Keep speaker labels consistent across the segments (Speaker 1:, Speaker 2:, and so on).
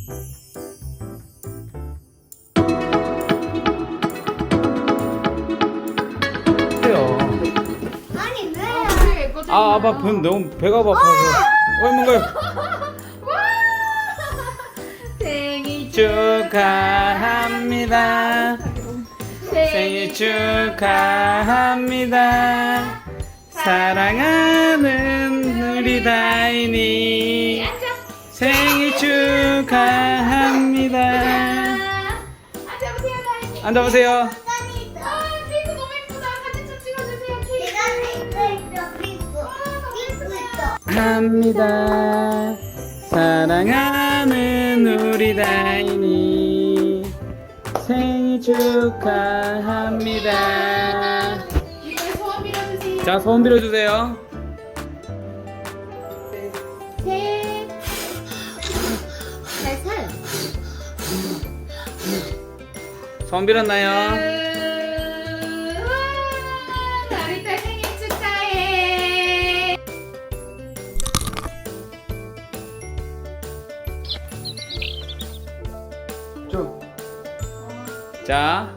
Speaker 1: 아니 왜?
Speaker 2: 아, 아빠 너무 배가 고파서. 뭔가요?
Speaker 3: 생일
Speaker 2: 축하합니다. 생일 축하합니다. 사랑하는 우리 다인이 생일 축하합니다.
Speaker 3: 앉아보세요, 다인이.
Speaker 2: 앉아보세요.
Speaker 3: 아, 케이크 너무 예쁘다. 사진 좀 찍어주세요, 케이크.
Speaker 2: 합니다. 사랑하는 우리 다인이 생일 축하합니다.
Speaker 3: 이번에 소원 빌어주세요.
Speaker 2: 자, 소원 빌어주세요.
Speaker 3: 살.
Speaker 2: 소원 빌었나요?
Speaker 3: 나리타 생일 축하해.
Speaker 2: 쭉. 자,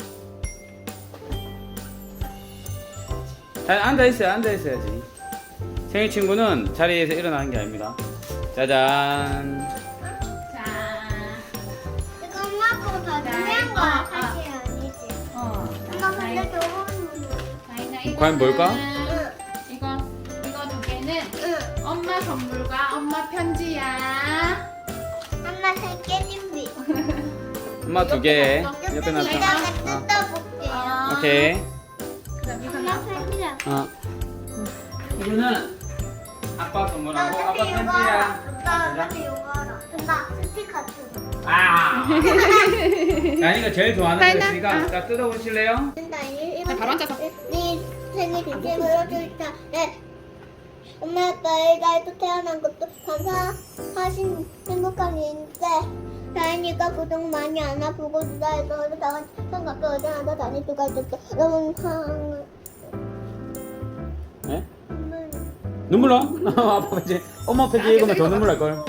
Speaker 2: 앉아있어야지. 생일 친구는 자리에서 일어나는 게 아닙니다. 짜잔.
Speaker 3: 자,
Speaker 1: 이거 엄마 거더 중요한 거야. 사실 아니지. 엄마 근데 저거는
Speaker 3: 다인아, 이거는
Speaker 2: 과연 뭘까?
Speaker 3: 이거 두 개는
Speaker 1: 응.
Speaker 3: 엄마 선물과 엄마 편지야.
Speaker 1: 엄마 생일 준비.
Speaker 2: 엄마 두 개. 옆에 놨어.
Speaker 1: 내가 뜯어볼게요.
Speaker 2: 오케이.
Speaker 3: 그다음
Speaker 1: 엄마
Speaker 3: 이거는
Speaker 1: 생일이야.
Speaker 2: 이거는 아빠 선물하고 아빠
Speaker 1: 어차피 이거
Speaker 2: 편지야.
Speaker 1: 어차피 이거 알아. 나 스티커 뜯어.
Speaker 2: 아. 나니가 제일 좋아하는 거
Speaker 3: 다인아,
Speaker 2: 있으니까 자 뜯어보실래요?
Speaker 1: 자,
Speaker 3: 바로 앉아서.
Speaker 1: 네 생일 진심으로 줄다. 네. 엄마 아빠의 날도 태어난 것도 감사하신 행복한 일인데 다행이가 그동안 많이 안 아프고 누나에서 당한 생각도 어제나도 다닐 수가 있었어. 너무
Speaker 2: 네? 눈물 나? 아빠 편지. 엄마 편지 읽으면 더 눈물 날 걸.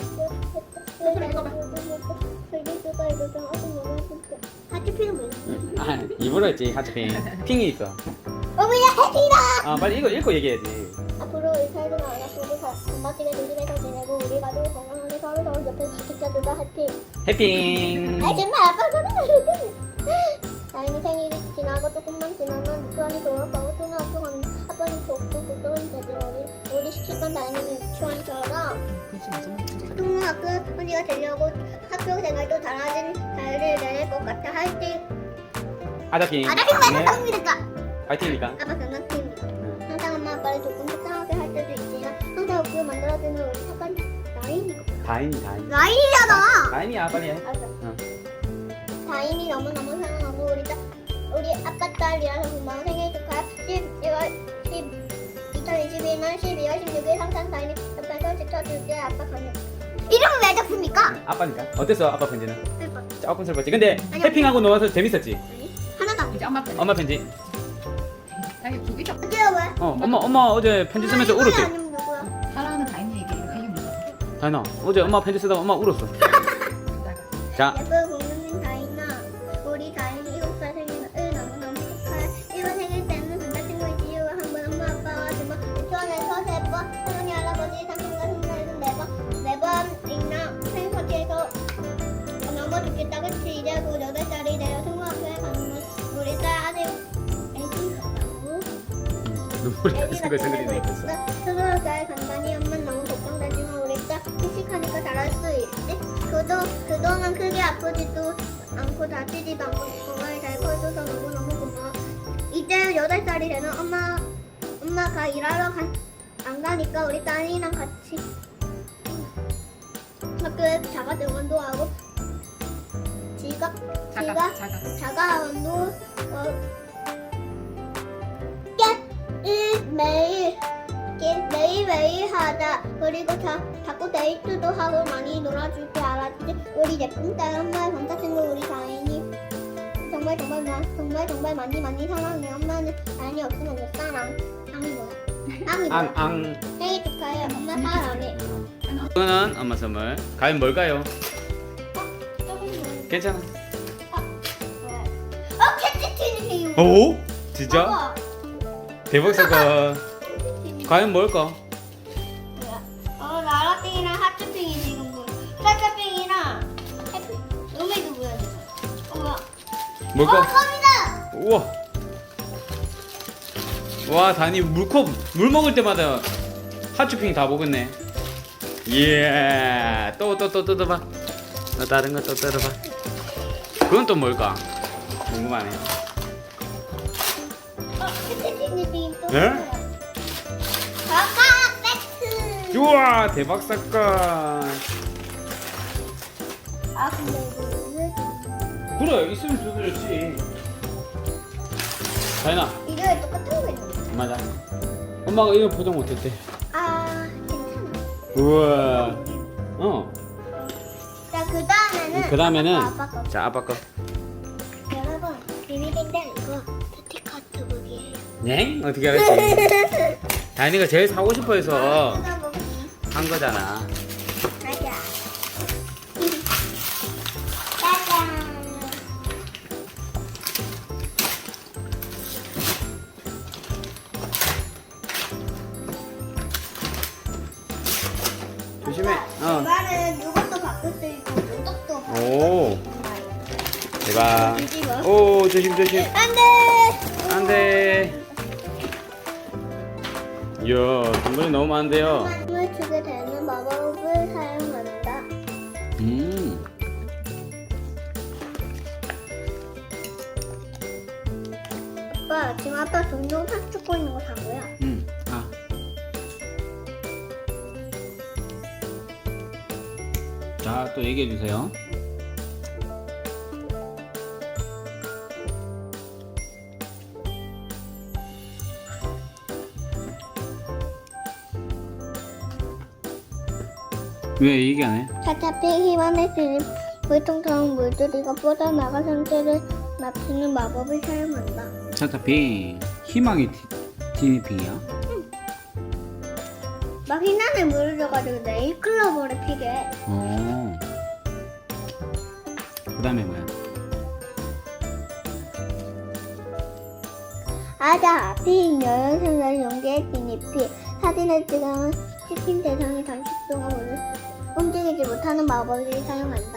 Speaker 1: 하트피는 뭐야?
Speaker 2: 아, 입으로 했지 하트핑. 핑이 있어.
Speaker 1: 어머야 해피다!
Speaker 2: 아 빨리 이거 읽고 얘기해야지.
Speaker 1: 앞으로 우리 살도 안 아프고 건강하게 조심해서 지내고 우리 가족 건강하게 서로 옆에 지켜주자 해피.
Speaker 2: 해핑.
Speaker 1: 아 정말 아빠 소리 나거든. 다행히 생일이 지나고 조금만 지나면 유치원이 졸업하고 초등학교 가면 아빠는 좋고 그쪽은 되지 우리 시킬 건 다행히 유치원처럼 초등학교 언니가 되려고 학교 생활도 잘하진 잘 될 것 같아 할때
Speaker 2: 아자핑.
Speaker 1: 아다핑 맞아 성미니까
Speaker 2: 파이팅이니까.
Speaker 1: 아빠 장난팀입니다. 항상 엄마 아빠를 조금 속상하게 할 때도 있지만 항상 웃고 만들어주는 우리 착한 다인이
Speaker 2: 다인이.
Speaker 1: 라인이잖아.
Speaker 2: 다인이야 빨리 해.
Speaker 1: 알았어.
Speaker 2: 응.
Speaker 1: 다인이 너무너무 사랑하고 우리 아빠 딸이라서 고마워. 생일 축하해. 2022년 12월 16일 항상 다인이 옆에서 지켜줄게. 아빠 가면 이름은 왜 적습니까?
Speaker 2: 아빠니까. 어땠어 아빠 편지는?
Speaker 1: 슬퍼.
Speaker 2: 조금 슬펐지. 근데
Speaker 1: 아니야.
Speaker 2: 해핑하고 놀아서 재밌었지.
Speaker 1: 하나도 안
Speaker 3: 이제 엄마 편지.
Speaker 2: 엄마 편지.
Speaker 3: 여기 두 개죠.
Speaker 1: 어때요 왜?
Speaker 2: 엄마 어제 편지 쓰면서 울었지.
Speaker 1: 아니면 누구야?
Speaker 3: 사랑하는 다인이 얘기 이거 이게 뭐야?
Speaker 2: 다인아 어제 엄마 편지 쓰다가 엄마 울었어. 자.
Speaker 1: 예쁜 공주님 다인아, 우리 다인이 7살 생일을 너무너무 축하해. 이번 생일 때는 남자친구 이지우와 한번 엄마 아빠와 두번 유치원에서 3번 할머니 할아버지 삼촌과 손녀에서 4번이나 생일 파티에서 너무 좋겠다. 그치? 이제 곧 8살이 되어 중학교에 가는 우리 딸 아직 애기 같다고.
Speaker 2: 눈물이
Speaker 1: 애기
Speaker 2: 생글 생글이네.
Speaker 1: 같다. 초등학교에 간다니 엄마는 너무 걱정되지만 우리 딸 씩씩하니까 잘할 수 있지. 그동안 크게 아프지도 않고 다치지도 않고 건강히 잘 커줘서 너무너무 고마워. 이제 8살이 되는 엄마가 일하러 안 가니까 우리 딸이랑 같이 학교에 자가 등원도 하고 자가원도 매일 하자. 그리고 자꾸 데이트도 하고 많이 놀아줄게. 알았지? 우리 예쁜 딸 엄마의 남자친구 우리 다인이 정말 많이 사랑해. 엄마는 다인이 없으면 못 살아. 앙이 뭐야? 앙이 뭐야?
Speaker 2: 앙.
Speaker 1: 생일 축하해. 엄마 사랑해.
Speaker 2: 이거는 엄마 선물. 과연 뭘까요? 괜찮아.
Speaker 1: 캐치 티니핑.
Speaker 2: 오? 진짜? 대박 사건. 과연 뭘까?
Speaker 1: 라라핑이랑 하트핑이 지금 보여. 하트핑이랑 음이도 보여줘. 뭐야?
Speaker 2: 뭘까?
Speaker 1: 컵이다.
Speaker 2: 우와. 와, 다니 물컵 물 먹을 때마다 핫쇼핑 다 먹었네. 예. 또 뜯어봐. 다른 거 또 뜯어봐. 그건 또 뭘까? 궁금하네.
Speaker 1: 캐치 티니핑 또.
Speaker 2: 네?
Speaker 1: 가가 세트.
Speaker 2: 우와, 대박 사건.
Speaker 1: 아 근데 이거 왜
Speaker 2: 그래, 있으면 두드렸지. 다현아,
Speaker 1: 이거에 똑같은 거 있는데.
Speaker 2: 맞아. 엄마가 이거 포장 못했대.
Speaker 1: 아 괜찮아.
Speaker 2: 우와. 어.
Speaker 1: 자 그다음에는
Speaker 2: 그다음에는
Speaker 1: 아빠 거.
Speaker 2: 자, 아빠 거.
Speaker 1: 여러분 비밀인데 이거 스티커 두부기예요.
Speaker 2: 네? 어떻게 알았지? 다현이가 제일 사고 싶어 해서
Speaker 1: 뜯어보기.
Speaker 2: 한 거잖아.
Speaker 1: 맞아. 짜잔.
Speaker 2: 조심해. 어.
Speaker 1: 이거는 이것도 바꿀 수 있고 이것도 바꿀
Speaker 2: 오. 대박.
Speaker 1: 뒤집어.
Speaker 2: 오, 조심 조심.
Speaker 1: 안돼.
Speaker 2: 안돼. 이야, 동물이 너무 많은데요.
Speaker 1: 힘을 주게 되는 마법을 사용한다. 아빠 지금 아빠 동영상 찍고 있는 거 다 뭐야?
Speaker 2: 아. 자, 또 얘기해 주세요. 왜 얘기 안 해?
Speaker 1: 차차피 힘안에 드는 물통처럼 물들이가 뻗어나가 상태를 맞추는 마법을 사용한다.
Speaker 2: 차타핑 희망의 티니핑이야?
Speaker 1: 막 흰안에 물을 줘가지고 네일클로버를 피게 해.
Speaker 2: 어. 그 다음에 뭐야?
Speaker 1: 아자, 핑 여행선을 연기해 티니피 사진을 찍으면 찍힌 대상이 잠시 동안 움직이지 못하는 마법을 사용한다.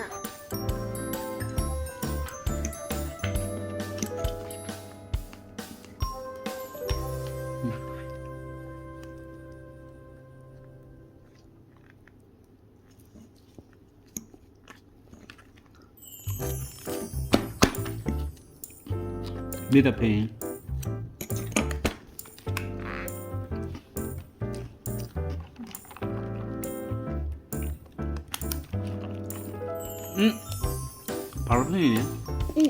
Speaker 2: 리더핑. 바로 펜이네.
Speaker 1: 응.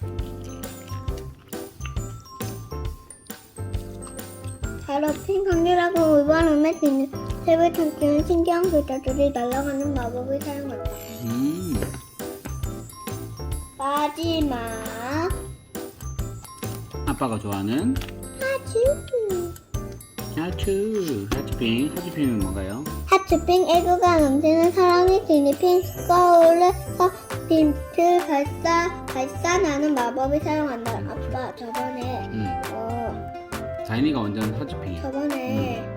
Speaker 1: 바로 핑 관계라고 의반음에 드는 세배 참기는 신기한 글자들이 날아가는 마법을 사용한다. 마지막
Speaker 2: 아빠가 좋아하는 하츠핑은 뭔가요?
Speaker 1: 하츠핑 애교가 넘치는 사랑의 티니핑 거울에서 빛을 발산하는 마법을 사용한다. 아빠 저번에
Speaker 2: 다인이가 완전 하츠핑이야.
Speaker 1: 저번에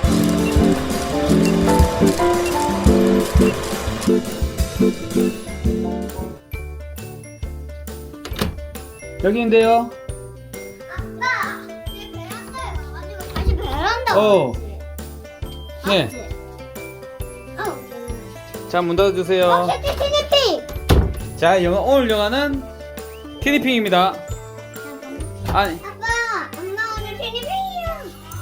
Speaker 2: 여기인데요.
Speaker 1: 아빠 내 베란다에 와가지고 다시 베란다
Speaker 2: 어.
Speaker 1: 왔지?
Speaker 2: 네.
Speaker 1: 맞지?
Speaker 2: 자, 문 닫아주세요.
Speaker 1: 티니핑
Speaker 2: 자, 오늘 영화는 티니핑입니다. 아니,
Speaker 1: 아빠 엄마 오늘 티니핑이야.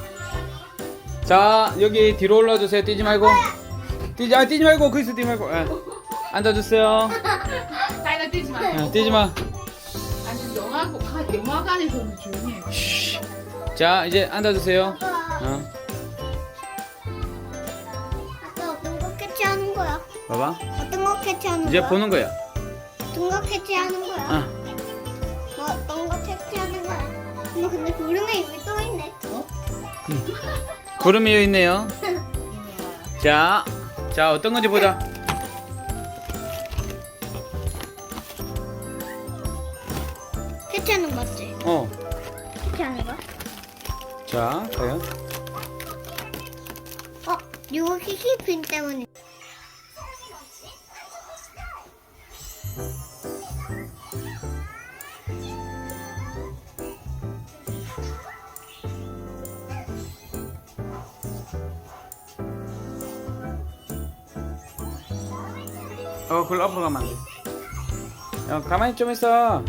Speaker 2: 자, 여기 뒤로 올라주세요. 뛰지 말고. 뛰지 말고. 거기서 뛰지 말고. 예. 앉아주세요.
Speaker 3: 나이가 뛰지 마.
Speaker 2: 뛰지 마.
Speaker 3: 아니 영화관에서는 조용히 해.
Speaker 2: 자, 이제 앉아주세요.
Speaker 1: 아빠 아빠 어떤 거 캐치하는 거야?
Speaker 2: 봐봐.
Speaker 1: 어떤 거 캐치하는
Speaker 2: 이제
Speaker 1: 거야?
Speaker 2: 보는 거야.
Speaker 1: 어떤 거 캐치하는 거야?
Speaker 2: 어.
Speaker 1: 뭐 어떤 거 캐치하는 거야? 엄마 근데 구름에 입이 또 있네.
Speaker 2: 구름이 여기 있네요. 자, 어떤 건지 보자.
Speaker 1: 해체하는 거 맞지?
Speaker 2: 어.
Speaker 1: 해체하는 거?
Speaker 2: 자, 과연?
Speaker 1: 이거 키키핀 때문에.
Speaker 2: 그걸 앞으로 가면 안 돼. 야, 가만히 좀 있어.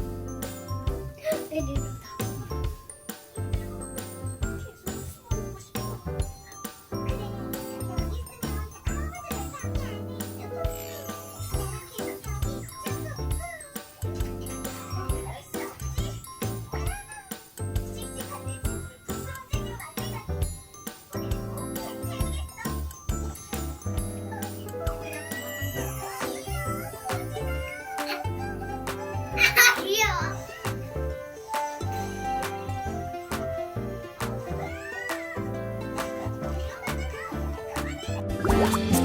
Speaker 1: 귀여워.